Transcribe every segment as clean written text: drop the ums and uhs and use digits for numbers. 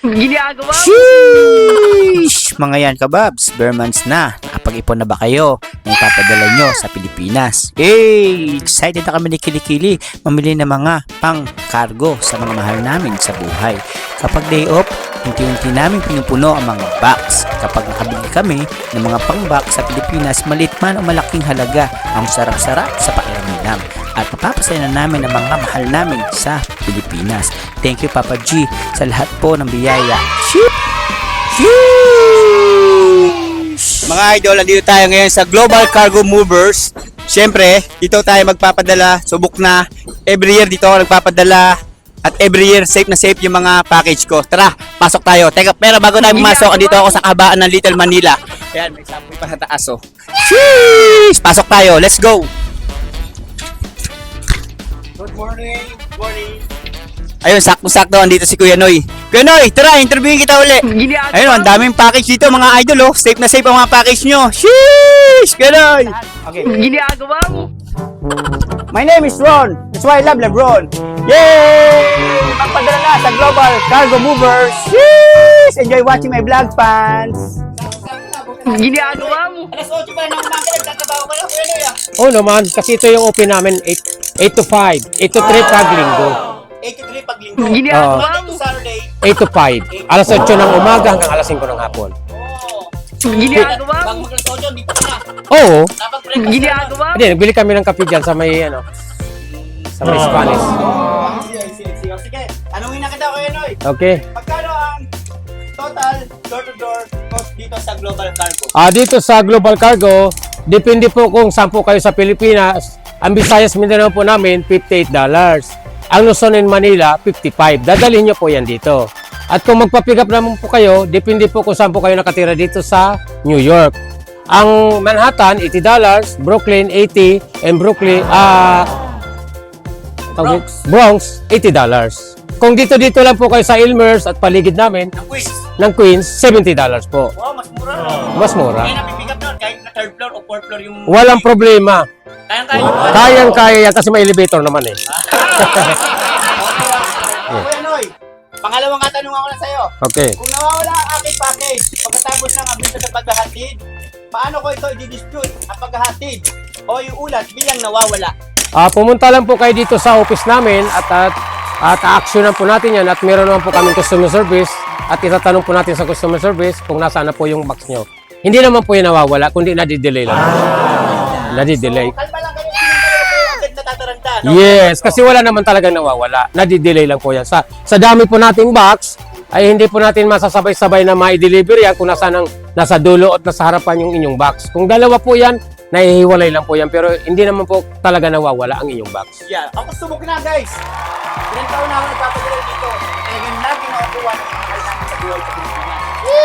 Ginagawa mo? Sheesh! Mga yan kababs, Bermans na. Nakapag-ipon na ba kayo na ipapadala nyo sa Pilipinas? Hey! Excited na kami ni Kilikili mamili ng mga pang-cargo sa mga mahal namin sa buhay. Kapag day off, unti-unti namin pinupuno ang mga box. Kapag nakabili kami ng mga pang-box sa Pilipinas, maliit man o malaking halaga, ang sarap-sarap sa pakiramdam. At mapapasaya na namin ang mga mahal namin sa Pilipinas. Thank you Papa G sa lahat po ng biyaya. Mga idol, nandito tayo ngayon sa Global Cargo Movers. Siyempre, dito tayo magpapadala. Subok na. Every year dito ako nagpapadala. At every year, safe na safe yung mga package ko. Tara, pasok tayo. Teka, pero bago tayo pumasok, andito ako sa kahabaan ng Little Manila. Ayan, may sample pa sa taas, oh. Sheesh! Pasok tayo. Let's go! Good morning. Good morning. Ayun, sakto-sakto. Andito si Kuya Noy. Kuya Noy, tara, interviewin kita uli. Ginagawa Ayun, ang daming package dito, mga idol, oh. Safe na safe ang mga package nyo. Sheesh! Kuya Noy! Okay. Ginagawa mo? My name is Ron. That's why I love Lebron. Yay! Magpadala na sa Global Cargo Movers. Sheesh! Enjoy watching my vlog, fans. Ginagawa mo? Alas 8 pa na ng umaga, nagtatrabaho ka lang, Kuya Noy, ah. Oo naman, kasi ito yung open namin 8 to 5, 8 to 3 pag linggo. 8 to 3 pag linggo. Ginagawa Monday mo? to Saturday. 8 to 5, alas 8 ng umaga hanggang alas 5 ng hapon. Oh. Ginagawa Bang mo? mag-alas 8, dito ka na. Oo, Dapat breakfast ka Ginagawa mo? hindi, nagbili kami ng kape dyan sa may, sa may Spanish. Oh, sige. Sige, tanungin na kita, Kuya Noy. Okay. Magkano ang total door-to-door cost dito sa Global Cargo? Dito sa Global Cargo, depende po kung saan po kayo sa Pilipinas. Ang Visayas Mindanao po namin, $58. Ang Luzon and Manila, 55. Dadalhin nyo po yan dito. At kung magpa-pick up naman po kayo, depende po kung saan po kayo nakatira dito sa New York. Ang Manhattan, $80, Brooklyn, 80, and Bronx, $80. Kung dito lang po kayo sa Elmers at paligid namin, Ang quiz. ng Queens, $70 po. Wow, mas mura. Mas mura. Kaya napipick up doon, kahit na third floor o fourth floor yung... Walang problema. Kayang-kaya nyo po. Kayang-kaya yan kasi may elevator naman eh. Kuya Noy, pangalawang katanungan ko na sa'yo. Okay. Kung nawawala ang aking package pagkatapos ng abiso sa paghahatid, paano ko ito i-dispute ang paghahatid o yung ulat bilang nawawala? Pumunta lang po kayo dito sa office namin at a-actionan po natin yan at meron naman po kaming customer service at itatanong po natin sa customer service kung nasaan na po yung box nyo. Hindi naman po yung nawawala, kundi nadidelay lang. Nadidelay. Kalma lang kayo, hindi kayo agad natataranta, no? Yes, kasi wala naman talagang nawawala. Nadidelay lang po yan. Sa dami po nating box, ay hindi po natin masasabay-sabay na ma-deliver yan kung nasa dulo at nasa harapan yung inyong box. Kung dalawa po yan, nahihiwalay lang po yan. Pero hindi naman po talaga nawawala ang inyong box. Yeah, ako subok na guys. Ilang taon na ako nagpapadala dito. Talagang lagi nakukuha ng mga kailangan sa buhay sa Pilipinas.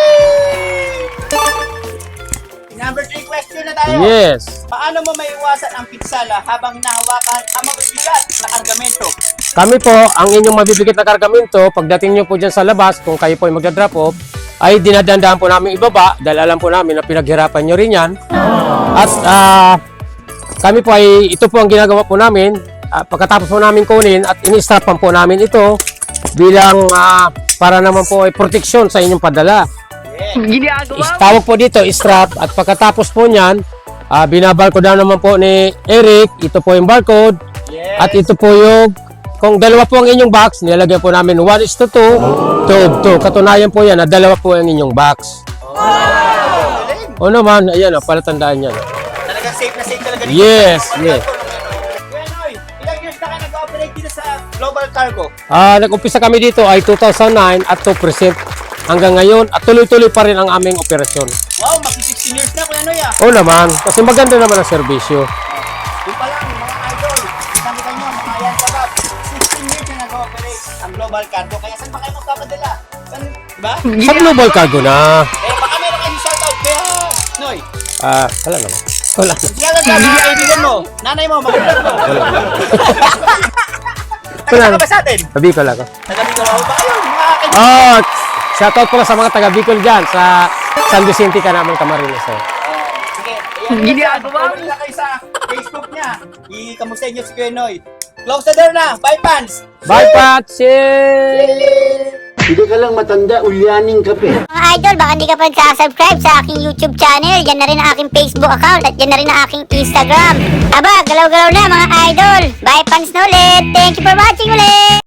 Number 3 question na tayo. Yes. Paano mo maiwasan ang pinsala habang hinahawakan ang mabibigat na kargamento? Kami po, ang inyong mabibigat na kargamento, pagdating nyo po dyan sa labas, kung kayo po ay magdadrop off, ay dinadandaan po namin ibaba dahil alam po namin na pinaghirapan nyo rin yan. At kami po ay, ito po ang ginagawa po namin, pagkatapos po namin kunin at ini-strapan po namin ito bilang para naman po ay proteksyon sa inyong padala. Ginagawa mo? Tawag po dito, strap, at pagkatapos po niyan, binabarcode down naman po ni Eric, ito po yung barcode, at ito po yung, kung dalawa po ang inyong box, nilalagyan po namin 1:2, 2:2. Katunayan po yan na dalawa po ang inyong box. O naman, ayan o, palatandaan yan. Talagang safe na safe talaga dito. Yes, yes. Kuya Noy, ilang years na kayo nag-operate dito sa Global Cargo? Nag-umpisa kami dito ay 2009 at 2% hanggang ngayon at tuloy-tuloy pa rin ang aming operasyon. Wow, mag-16 years na Kuya Noy, ah. O naman, kasi maganda naman ang serbisyo. Yung pa lang, mga idol, isang kita nyo, mga yan kabab, 16 years na nag-operate ang Global Cargo. Kaya saan pa kayo magpapadala? Saan, diba? Sa Global Cargo na. Baka meron kayong shoutout kaya, Noy. Wala naman. Wala. Shoutout ka mga kaibigan mo, nanay mo, mga vlog mo. Wala. Taga ba sa atin? Sabi ko lang. Taga Bicol ba kayo? Mga kaibigan. Shoutout pala sa mga taga Bicol dyan sa San Vicente ka naman Camarines. Sige, ayan. Ginagawa mo? Comment na kayo sa Facebook niya. I-kamusta niyo si Kuya Noy. Close the door na. Bye, fans! Bye, Pat! Cheers! Hindi ka lang matanda, ulyaning ka pa. Mga idol, baka hindi ka pa nagsasubscribe sa aking YouTube channel. Yan na rin ang aking Facebook account at yan na rin ang aking Instagram. Aba, galaw-galaw na mga idol. Bye fans na ulit. Thank you for watching ulit.